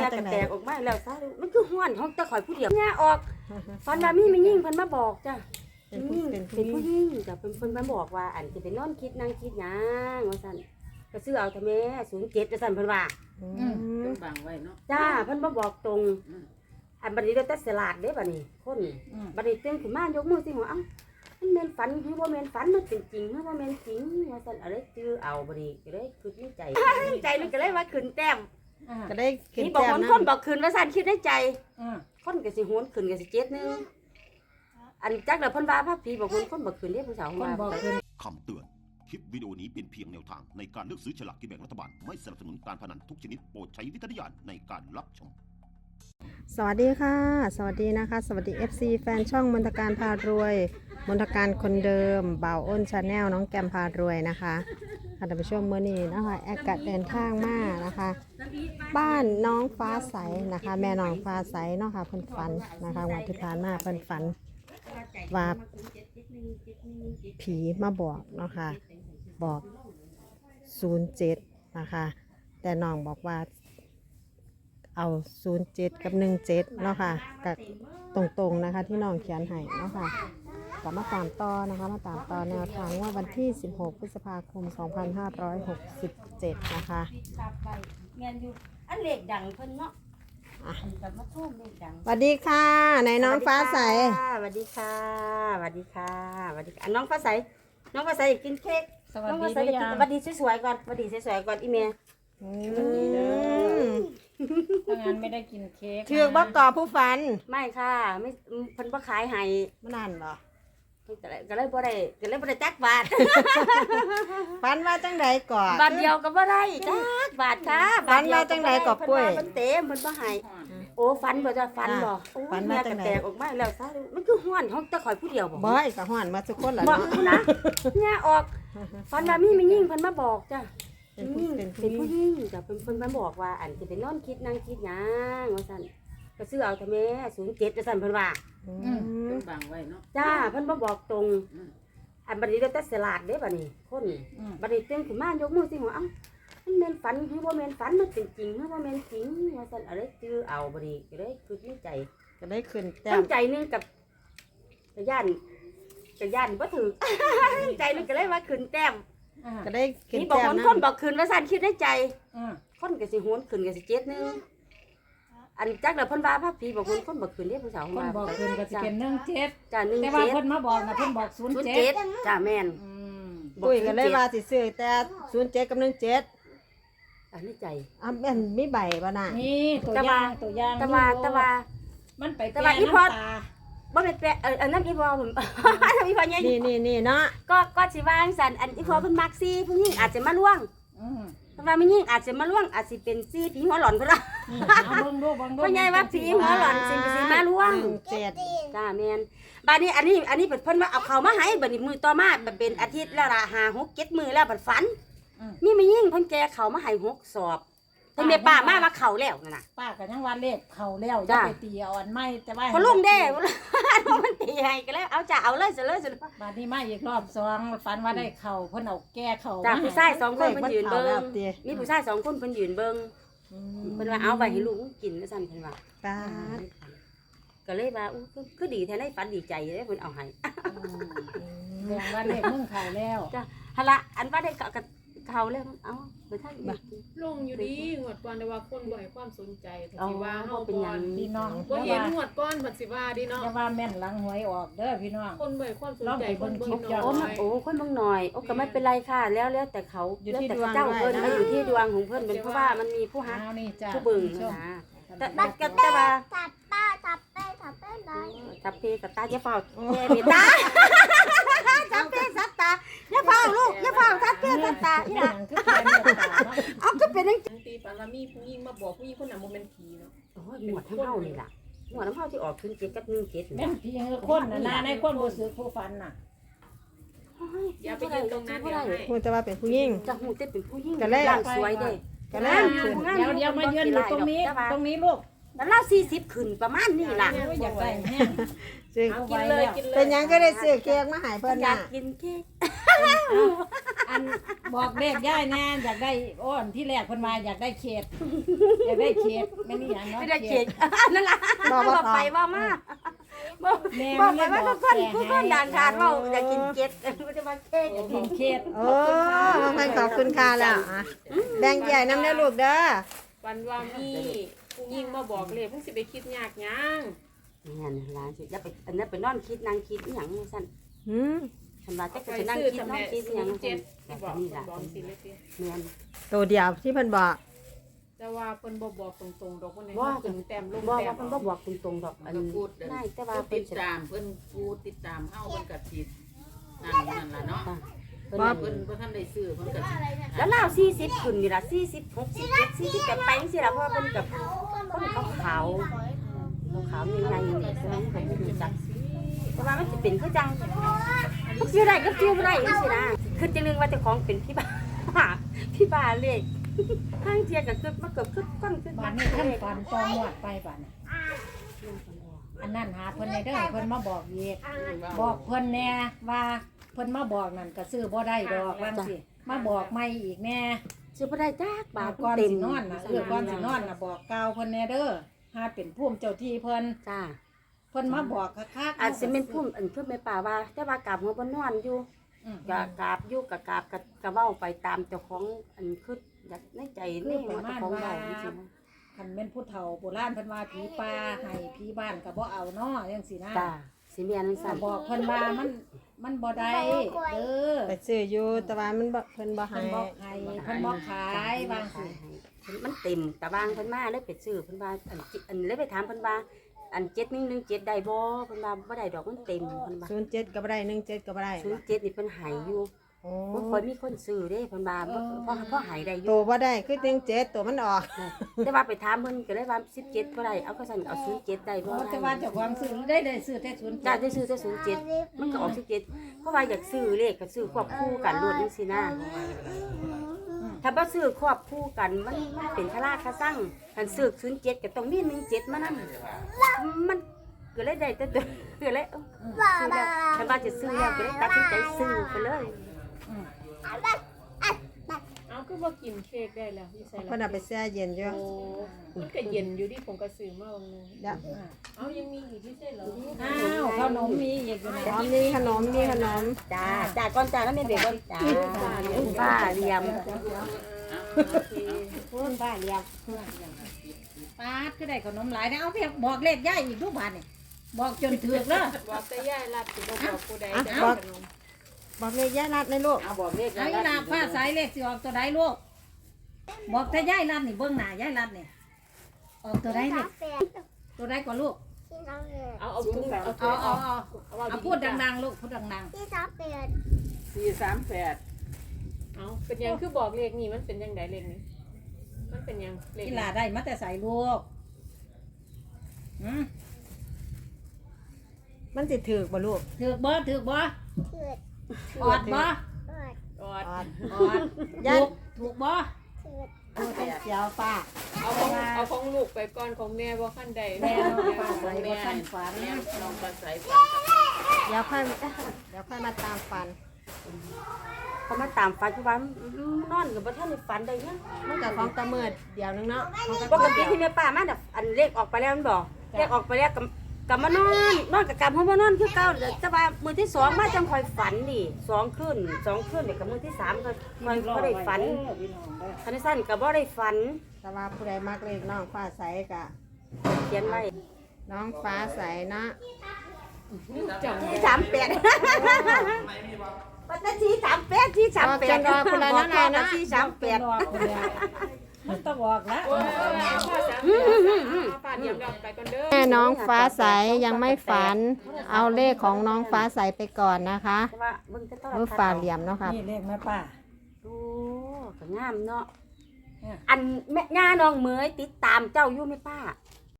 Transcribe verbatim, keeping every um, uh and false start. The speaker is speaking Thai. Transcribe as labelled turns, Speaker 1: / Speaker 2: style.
Speaker 1: กระแตกออกมาแล้วซะมันคือห้อนห้องตะข่อยผู้เดียวเนี่ยออกฟันว่ามีไม่ยิ่งเพิ่นมาบอกจ้ะเป็นผู้เป็นผู้ยิ่งจ้ะเพิ่นเพิ่นมาบอกว่าอันสิไปนอนคิดนั่งคิดหยังว่าซั่นก็ซื้อเอาทำแม่ศูนย์เจ็ดว่าซั่นเพิ่นว่า
Speaker 2: อืมเพิ่นบังไว้เนาะ
Speaker 1: จ้าเพิ่นมาบอกตรงอันบัดนี้เราแต่สลาดเด้บัดนี้คนบัดนี้ตื่นขึ้นมายกมือสิหัวเอ้ามันแม่นฝันหรือบ่แม่นฝันมันเป็นจริงหรือบ่แม่นจริงว่าซั่นอะไรจื้อเอาบัดนี้ก็เลยคิดในใจใจมันก็เลยว่าขึ้นแต้ม
Speaker 3: ก็ได้ขึ้น
Speaker 1: นี่บอก
Speaker 3: แต้ม
Speaker 1: คน
Speaker 3: นะ
Speaker 1: คนบอกขึ้นว่าซั่นคิดในใจ
Speaker 2: อือ
Speaker 1: คนก็สิโหนขึ้นก็สิเจ็ดนึงอันจักแล้วเพิ่นว่าพระผีบอกคนคนบอกขึ้นเด้ผู้สาว
Speaker 2: คน
Speaker 1: ว่า
Speaker 2: บอกขึ้น
Speaker 4: คำเตือน คลิปวิดีโอนี้เป็นเพียงแนวทางในการเลือกซื้อฉลากกินแบ่งรัฐบาล ไม่สนับสนุนการพนันทุกชนิดโปรดใช้วิจารณญาณในการรับชม
Speaker 3: สวัสดีค่ะ สวัสดีนะคะ สวัสดี เอฟ ซี แฟนช่องมนตการพารวยมนตการคนเดิมบ่าวอ้นชาแนลน้องแกมพารวยนะคะค่ะท่านผู้ชมเมื่อนี้นะคะแอากาศเดินทางมานะคะ บ้านน้องฟ้าใสนะคะ แม่น้องฟ้าใสเนาะค่ะเพิ่นฝันนะคะวันที่ผ่านมาเพิ่นฝันว่าผีมาบอกเนาะค่ะบอกศูนย์เจ็ดนะคะแต่น้องบอกว่าเอาศูนย์เจ็ดกับหนึ่งเจ็ดเนาะค่ะกับตรงๆนะคะที่น้องเขียนให้เนาะค่ะกลับมาตามต่อนะคะมาตามต่อแนวทางว่าวันที่สิบหกพฤษภาคมสองพันห้าร้อยหกสิบเจ็ดนะคะ
Speaker 1: แม่นอยู่อันเลขดังเพิ่นเนาะอ่ะกับมาทุ่มเลขดัง
Speaker 3: สวัสดีค่ะในน้องฟ้าใส
Speaker 1: สวัสดีค่ะสวัสดีค่ะสวัสดีค่ะน้องฟ้าใสน้องฟ้าใสกินเค้ก
Speaker 2: สวัส
Speaker 1: น้อง
Speaker 2: ดี
Speaker 1: ฟ้าใส
Speaker 2: ด้วย
Speaker 1: กิน
Speaker 2: ยาม
Speaker 1: สวัสดีสวยๆก่อนสวัสดีสวยๆก่อนอีเมย์
Speaker 2: ถ้างั้นไม่ได้กินเค้ก
Speaker 3: ถือบอกก่อผู้ฝัน
Speaker 1: ไม่ค่ะไม่เพิ่นบ่ขายให้
Speaker 3: มานานเหรอ
Speaker 1: ก็เลยก็เลยบ่ได้ก็เลยบ่ได้จักบาท
Speaker 3: ฝันว่าจังใดก่อน
Speaker 1: บาทเดียวก็บ่ได้จักบาทค่ะ
Speaker 3: ฝันว่าจังใดก่อปุ้ย
Speaker 1: เพิ่นเต็มเพิ่นบ่ให้โอ้ฝันบ่จ้ะฝันบ่โอ้แม่กระแตกออกมาแล้วซะมันคือฮ้อนห้องตะข่อยผู้เดียวบ่
Speaker 3: บ่อยก็ฮ้อนมาทุกคนล่ะ
Speaker 1: บ่
Speaker 3: เนาะ
Speaker 1: นะเนี่ยออกฝันว่ามีไม่ยิ่งเพิ่นมาบอกจ้ะ
Speaker 3: เป็นผู้เป็น
Speaker 1: เป็น
Speaker 3: ผู้
Speaker 1: ผู้หญิงจ้ะเพิ่นเพิ่นมาบอกว่าอันสิไปนอนคิดนั่งคิดหยังว่าซั่นก็ซื้อเอาทำแม่ศูนย์เจ็ดว่าซั่นเพิ่นว่า
Speaker 3: อื
Speaker 2: อืม
Speaker 3: ม
Speaker 2: เพิ่นบังไว้เนาะ
Speaker 1: จ้าเพิ่นมาบอกตรงอันบัดนี้เราแต่สลาดเด้บัดนี้คน
Speaker 2: อืม
Speaker 1: บัดนี้ตื่นขึ้นมายกมือสิหัวเอ้ามันแม่นฝันหรือบ่แม่นฝันมันเป็นจริงหรือบ่แม่นจริงว่าซั่นอะไรจื้อเอาบัดนี้ก็เลยคิดในใจ
Speaker 3: ก็ได้ขึ้นแต้
Speaker 1: ตั้
Speaker 3: ม
Speaker 1: งใจหนึงกับกะย่านกะย่านบ่ถูก ใจหนึงก็เลยว่าขึ้นแต้ม
Speaker 2: อ่า
Speaker 3: ก็ได้ขึ้น
Speaker 1: นี่บอก
Speaker 3: แต้
Speaker 1: ค
Speaker 3: ม
Speaker 1: น
Speaker 3: นะ
Speaker 1: คนบอกขึ้นว่าซั่นคิดในใจ
Speaker 2: อืม
Speaker 1: คนก็สิโหนขึ้นก็สิเจ็ดนึงอันจักแล้วเพิ่นว่าพระผีบอกคนคนบอกขึ้นเด้ผู้สาว
Speaker 2: คนบอกขึ้นก็สิเป็นหนึ่งเจ็ด
Speaker 1: จ้าหนึ่ง
Speaker 2: แต่ว่า
Speaker 1: เจ็ด
Speaker 2: เพิ่นมาบอกนะเพิ่นบอกศูนย์
Speaker 1: ศูนย์
Speaker 2: เจ็
Speaker 1: เจ็
Speaker 2: ด
Speaker 1: ดจ้าแม่น
Speaker 2: อืม
Speaker 3: ปุ้ยก็เลยว่าสิซื้อแต่ศูนย์เจ็ดกับหนึ่งเจ็ด
Speaker 1: อันนี้ใจ
Speaker 3: อ่ะแม่นมีใบบ่น่ะ
Speaker 2: นี่ตัวอย่างตัวอย่าง
Speaker 1: แต่ว่าแต่ว่า
Speaker 2: มันไป
Speaker 1: แต่ว่าอี
Speaker 2: น้ำ
Speaker 1: พอ
Speaker 2: ตา
Speaker 1: บ่เป็นแปะเอออันนั้นอีพอผม อันนั้นอีพอใหญ่
Speaker 3: นี่นี่นี่เนาะ
Speaker 1: ก็ก็สิว่าจังซั่นอันอีพอเพิ่นมักซี่ผู้หญิงอาจจะมาล่วง
Speaker 2: อืม
Speaker 1: แต่ว่าไม่ยิ่งอาจจะมาล่วงอาจสิเป็นซี่ผีหัวหลอนก็ได้
Speaker 2: นี่เอาเบิ่งดูเบิ่งดู
Speaker 1: เพราะใหญ่ว่าผีหัวหลอนสิเป็นสิมาล่วง
Speaker 3: หนึ่งเจ็ด
Speaker 1: จ้าแม่นบัดนี้อันนี้อันนี้เพิ่นว่าเอาเข้ามาให้บัดนี้มือต่อมาบัดเป็นอาทิตย์แล้วล่ะห้า หก เจ็ดมื้อแล้วบัดฝัน
Speaker 2: อืม
Speaker 1: มีไม่ยิ่งเพิ่นแกเข้ามาให้หกสอบเพิ่นแม่ป้ามาว่าเข้าแล้วนั่นน่ะ
Speaker 2: ป้าก็ยังว่าเลขเข้าแล้วอย่า
Speaker 1: จ้ะ
Speaker 2: ไปตีเอาอันใหม่แต่ว่า
Speaker 1: พอลุงเด้ มันตีให้ก็แล้วเอาจ้าเอาเลยซะเลยซะ
Speaker 2: บัดนี้มาอีกรอบสองฝันว่าได้เข้าเพิ่นเอาแก้เข้า
Speaker 1: จ้า
Speaker 2: มาให้
Speaker 1: ผู้ชายสองคนเพิ่นยืนเบิ่ง
Speaker 3: แล้วติ
Speaker 1: มีผู้ชายสองคนเพิ่นยืนเบิ่ง
Speaker 3: อื
Speaker 1: เพิ่นว่าเอาไปให้ลูกกินว่าซั่นเพิ่นว่า
Speaker 3: ตาด
Speaker 1: ก็เลยว่าอู้คือคือดีแท้ในฝันดีใจเลยเพิ่นเอาให้
Speaker 2: อืมแสดงว่าเลขมึงเข้าแล้ว
Speaker 1: จ้ะหั่นละอันว่าได้กะเขาแล้วเอาไปทางอีก
Speaker 5: ลงอยู่ดีงวดก่อนแต่ว่าคนบ่ให้ความสนใจแต่
Speaker 1: อ๋อ
Speaker 5: สิว่าเฮา
Speaker 1: เป็น
Speaker 5: บ่
Speaker 1: หยัง
Speaker 2: พี่น้อง
Speaker 5: บ่
Speaker 2: อย่า
Speaker 5: เห็น
Speaker 2: ว่าง
Speaker 5: วดก่อนเพิ่นสิว่าดิเนาะ
Speaker 2: อย่าว่าแม่นหลังหวยออกเด้อพี่น้อง
Speaker 5: คนบ่ให้ความสนใจ
Speaker 2: ลองไป
Speaker 5: คน
Speaker 2: เบิ่
Speaker 5: เบิ่
Speaker 2: ง
Speaker 5: ง
Speaker 2: คลิป
Speaker 5: น้
Speaker 1: โอ้
Speaker 5: อ
Speaker 1: มัน
Speaker 5: ย
Speaker 1: โอ้คนบางหน่อยโอ้ก็ไม่เป็นไรค่ะแล้วแล้วแต่เขาแล้วแต่เจ้าเพิ่นมาอยู่ที่ดวงของเพิ่นเป็นเพราะว่ามันมีผู้ฮัก
Speaker 2: เอานี่จ้ะ
Speaker 1: ผู้บึง
Speaker 2: ชม
Speaker 1: นะแต่บัดกับแต่ว่า
Speaker 6: จับป้าจับเป้จับเป้เลย
Speaker 1: จับเพกับตาอย่าเฝ้าแย่เมตตาจับเพสัตตาอย่าเฝ้าลูกอย่าเฝ้าจับเพสัตตาอีหล่ะ
Speaker 2: คือแฟนเดียวตาเนาะ
Speaker 1: เอาก็เป็นจัง
Speaker 5: บางทีฝันว่ามีผู้หญิงมาบอกผู้หญิงคนนั้นบ่แม่นผีเนาะ
Speaker 1: โอ้ยหมวดทั้งเฮานี่ล่ะหมวดน้ำเฮาที่ออกขึ้นเจ็ดกับหนึ่งเจ็ด
Speaker 2: แม่นผีคือคนน่ะนะในคนบ่ซื้อผู้ฟันน่ะ
Speaker 5: อย่าไปยืนตรงนั้นเดี๋ยวให้
Speaker 3: พูดแต่ว่าเป็นผู้หญิง
Speaker 1: จะหูเต้เป็นผู้หญิง
Speaker 3: ก็เลย
Speaker 1: ร่างสวยเด้
Speaker 3: ก็เลย
Speaker 2: เดี๋ยวเดี๋ยวมายืนอยู่ตรงนี้ตรงนี้ลูก
Speaker 1: แล้วเราสี่สิบขึ้นประมาณนี้ล่ะ
Speaker 2: โอ้ยอยากได้แห้ง
Speaker 3: ซื้อ
Speaker 2: เอา
Speaker 5: กิน
Speaker 2: ไว้
Speaker 5: เลย
Speaker 2: แล้ว
Speaker 5: กินเลย
Speaker 3: เป็นหยังก็ได้ซื้อเค้กมาให้เพิ่น
Speaker 1: อยา
Speaker 3: น่ะ
Speaker 1: กกินเค้ก
Speaker 2: อันบอกเลขย่ายแน่อยากได้อ้อนที่แรกเพิ่นมาอยากได้เขตอยากได้เขตไม่นี่หยังเนาะ
Speaker 1: ไม่ได้เค้กนั่นล่ะ
Speaker 3: บอกว่า
Speaker 1: บอกไปว่ามาบอก
Speaker 2: แม่
Speaker 1: บ
Speaker 2: มั
Speaker 1: อก
Speaker 2: น
Speaker 1: ไป
Speaker 2: เลยบ
Speaker 1: ว่า
Speaker 2: อ
Speaker 1: ทุ
Speaker 2: ก
Speaker 1: กคน
Speaker 2: แก่
Speaker 1: ทุกค
Speaker 2: ให้
Speaker 1: นด่านขาดว่าอยากกินเค้กมันจะมาเค้ก
Speaker 2: อยากกินเขต
Speaker 3: โอ้บางคนขอบคุณค่ะแล้วอ่ะแบ่งใหญ่น้ำเด้อลูกเด้อ
Speaker 5: วันว่ามีผู้หญิงมาบอกเลยมึงสิไปคิดยากหยัง
Speaker 1: นี่นร้านสิอย่าไปอันนั้นไปนอนคิดนางคิดอหย่างนี้สั่น
Speaker 3: หืม
Speaker 1: ฉันว่าจะ
Speaker 5: ไป
Speaker 1: ไปนั่ง
Speaker 5: ซื้อ
Speaker 1: คิด
Speaker 5: ทำ
Speaker 1: น
Speaker 5: แม่
Speaker 1: อนคิดอหย่าง
Speaker 5: ศูน
Speaker 1: นี้
Speaker 5: ย์เจ็ด
Speaker 1: แต่
Speaker 5: ที่บอก
Speaker 1: นี่ล่ะ
Speaker 5: บอกสิเลยสิ
Speaker 1: เมียน
Speaker 3: ตัวเดียวที่เพิ่นบอก
Speaker 5: แต่ว่าเพิ่นบ่บอกตรงๆดอกเพิ่นให้
Speaker 1: ว่า
Speaker 5: ถึงแต้มลง
Speaker 1: บอก
Speaker 5: แต้
Speaker 1: ว่าม เพิ่นบ่บอกตรงๆดอกอัน
Speaker 7: ก็
Speaker 1: นี้
Speaker 7: พูดอัน
Speaker 1: ง่ายแต่ว่า
Speaker 7: ผู้
Speaker 1: เป็
Speaker 7: ติ
Speaker 1: น
Speaker 7: ดตามเพิ่นผู้ติดตามเฮาเพิ่นก็สินั่นนั่นล่ะเนาะ
Speaker 1: เพิ่น
Speaker 3: ว่า
Speaker 7: เพิ่นบ่ทันได้ซื้อเพิ่นก็สิ
Speaker 1: แล้วเราสี่สิบขึ้นนี่ล่ะสี่สิบหกสิบเจ็ดสี่สิบแปดไปจังซี่ล่ะเพราะว่าเพิ่นกับคนขาวขาวขาวๆใหญ่ๆนี่ใช่ไหมเพิ่นบ่รู้จักแต่ว่ามันสิเป็นคือจังมันสิได้ก็สิบ่ได้จังซี่นะคือจังนึงว่าเจ้าของเป็นพี่บ้า พี่บ้าเลขข้างเทียก็คือมาเกือบคือก้อนคือ
Speaker 2: บ้านนี้ท่านฝันจองหวดไปบ้านน่ะอันนั้นหาเพิ่นในเด้อเพิ่นมาบอกอีกบอกเพิ่นแน่ว่าเพิ่นมาบอกนั่นก็ซื้อบ่ได้ดอกว่าสิมาบอกใหม่อีกแน่
Speaker 1: สิบ่ได้จักบาท
Speaker 2: ก่อน
Speaker 1: เต็ม
Speaker 2: สินอนน่ะเออก่อนสินอนน่ะบอกกล่าวเพิ่นแน่เด้อหาเป็นภูมิเจ้าที่เพิ่น
Speaker 1: จ้า
Speaker 2: เพิ่นมาบอกคักๆ
Speaker 1: อาจสิเป็นพุ่มอันเพิ่นแม่ป่าว่าแต่ว่ากราบหัวบ่นอนอยู่
Speaker 2: อืม
Speaker 1: กะกราบอยู่กะกราบกะกะเว้าไปตามเจ้าของอันคืออยากในใจนี่ว่าเจ้าของเว้าจริง
Speaker 2: คันแม่นผู้เฒ่าโบราณเพิ่นว่าผีป่าให้ผีบ้านก็บ่เอาเนาะจังซี่นะ
Speaker 1: ๆจ้าสิแม่นจังซั่น
Speaker 2: ก็บอกเพิ่นว่ามันมันบ่ได้เด้อ
Speaker 3: ไปซื้ออยู่แต่ว่ามันบ่เพิ่นบ่
Speaker 2: เพิ่
Speaker 3: ให้
Speaker 2: นบ่ให้เพิ่นบ่ขายบางสิ
Speaker 1: มันเต็มตะบางเพิ่นมาเลยไปซื้อเพิ่นว่าอันอันเลยไปถามเพิ่นว่าอันเจ็ดหนึ่งหนึ่งเจ็ดได้บ่เพิ่นว่าบ่ได้ดอกมันเต็มเพิ่นว่า
Speaker 3: ศูนย์เจ็ดก็บ่ได้หนึ่งเจ็ดก็บ่ได้
Speaker 1: ศูนย์เจ็ดนี่เพิ่นให้อยู่
Speaker 3: โอ้
Speaker 1: บ่ค่อยมีคนซื้อเด้เพิ่นว่าบ่เพราะเพราะให้ได้อ
Speaker 3: ตั
Speaker 1: ยู่
Speaker 3: วบ่ได้คือหนึ่งเจ็ดตัวมันออก
Speaker 1: แต่ว่าไปถามเพิ่นก็เลยว่าสิบเจ็ดบ่ได้เอาก็สั่นเอาศูนย์เจ็ดได้บ่
Speaker 2: เพราะแต่ว่าเจ้าของซื้อได้ได้ซื้อแต่ศูนย์
Speaker 1: จ้าได้ซื้อแต่ศูนย์เจ็ดมันก็ออกสิบเจ็ดเพราะว่าอยากซื้อเลขก็ซื้อควบคู่กันโลดจังซี่นะถ้าบ่ซื้อควบคู่กันมันมันเป็นคาราคาซังคันซื้อศูนย์เจ็ดก็ต้องมีหนึ่งเจ็ดมานำมันก็เลยได้แต่ตัวก็เลยเอ้าซื้อแล้วคันว่าจะซื้อแล้วก็เลยตัดสินใจซื้อไปเลย
Speaker 5: เอาคือบ่กินเค้กได้แล้วพี่ใส่
Speaker 3: เพิ่นเอาไปแช่เย็นอยู่
Speaker 5: โอ้มันก็เย็นอยู่ดิผมก็ซื้อมาบางนึง
Speaker 3: เดี๋ยว
Speaker 5: เอายังมีอีกพี่ใช่เหรอ
Speaker 2: อ้าวขนมมีอีกอยู่ใน
Speaker 3: พร้อมมีขนมมีขนม
Speaker 1: จ้าจ้าก่อนจ้าแล้วแม่เด็กก่อนจ้าป้าเรียม
Speaker 2: พูนบ้าเรียบปาดก็ได้ขนมหลายนะเอาเพียงบอกเลขย่ายอีกทุกบาทนี่บอกจนถึกเด้อ
Speaker 5: บอกแต่ย่ายรับสิบ่บอกผู้ใด
Speaker 3: อ่ะ
Speaker 5: จะ
Speaker 3: บอ
Speaker 5: เอา
Speaker 3: ก
Speaker 5: ขนม
Speaker 3: บอกเลขย่ารัดในลูก
Speaker 7: เอาบอกเลข
Speaker 2: ไอ้ลาบฟ้าสายเลขสิออกตัวใดลูกบอกแต่ย่ายรัดนี่เบิ่งหน้าย่ายรัดนี่ออกตัวใดนี่ตัวใดกว่าลูก
Speaker 6: ที่สามแปด
Speaker 5: เอาเอาถุงเอา
Speaker 2: เอาเอาเอา
Speaker 5: เอา
Speaker 2: เอาพูดดังๆลูกพูดดัง
Speaker 6: ที่สามแปด
Speaker 7: สี่สามแปด
Speaker 5: เอาเป็นยังคือบอกเลขนี่มันเป็นยังไดเลขนี้มันเป็นยังเล
Speaker 2: ๆ
Speaker 5: ข
Speaker 2: กีฬาได้มาแต่ใส่ลูกอืม
Speaker 3: มันสิถือกบ่ลูก
Speaker 2: ถือกบ่ถือกบ่
Speaker 6: เกิด
Speaker 2: ออดบ่
Speaker 6: เกิด
Speaker 5: กอด
Speaker 3: ออด
Speaker 2: ออด
Speaker 3: ย่า
Speaker 2: ถูกถูกบ่
Speaker 6: เกิด
Speaker 3: ดูแต่เสียวป้า
Speaker 5: เอาของเอาของลูกไปก่อนของแม่บ่คันใด
Speaker 2: แม่
Speaker 5: แม่
Speaker 2: น้องฟ้าใสบ่ทันฝัน
Speaker 7: แม่ลองมาใส่ฟัน
Speaker 3: เดี๋ยวค่อยเดี๋ยวค่อยมาตามฟัน
Speaker 1: เขามาตามฝันคือว่านอนกับบ่ทันได้ฝันได้ยัง
Speaker 3: มันกับของตะเมิดเดี๋ยวนึงเนาะของ
Speaker 1: ป
Speaker 3: ตะ
Speaker 1: ก
Speaker 3: เมิด
Speaker 1: ติ
Speaker 3: เดียว
Speaker 1: ที่แม่ป้ามาน่ะอันเลขออกไปแล้วมันบอกเลขออกไปแล้วกับกับมานอนนอนกับกลับหัวมานอนคือเก่าแต่ว่ามื้อที่สองมาจังค่อยฝันดิสองคืนสองคืนเดี๋ยวกับมื้อที่สามก็ค่อยบ่ได้ฝันคันสั้นก็บ่ได้ฝัน
Speaker 3: แต่ว่าผู้ใดมักเลขน้องฟ้าใสกะ
Speaker 1: เขียนไว้
Speaker 3: น้องฟ้าใสเนาะ
Speaker 1: ที่สามแปดปัตตานีสามแปดที่สามแปด
Speaker 3: จนรอคุณละนะนะ
Speaker 1: ที่สามแปด
Speaker 2: มันต้องบอกแล้ว
Speaker 5: โอ้ยพ่อสามฝาเดียวกันไปก่อนเด้อ
Speaker 3: แม่น้องฟ้าใสยังไม่ฝัน เอาเลขของน้องฟ้าใสไปก่อนนะคะ
Speaker 1: แต่ว่าเบิ่งแต่ตอน
Speaker 3: มือฝ่าเหลี่ยมเนาะครับ
Speaker 2: นี่เลขแม่ป้า
Speaker 1: โอ้ก็งามเนาะ
Speaker 2: เนี่ย
Speaker 1: อันแม่ย่าน้องเหมยติดตามเจ้าอยู่ไหมป้า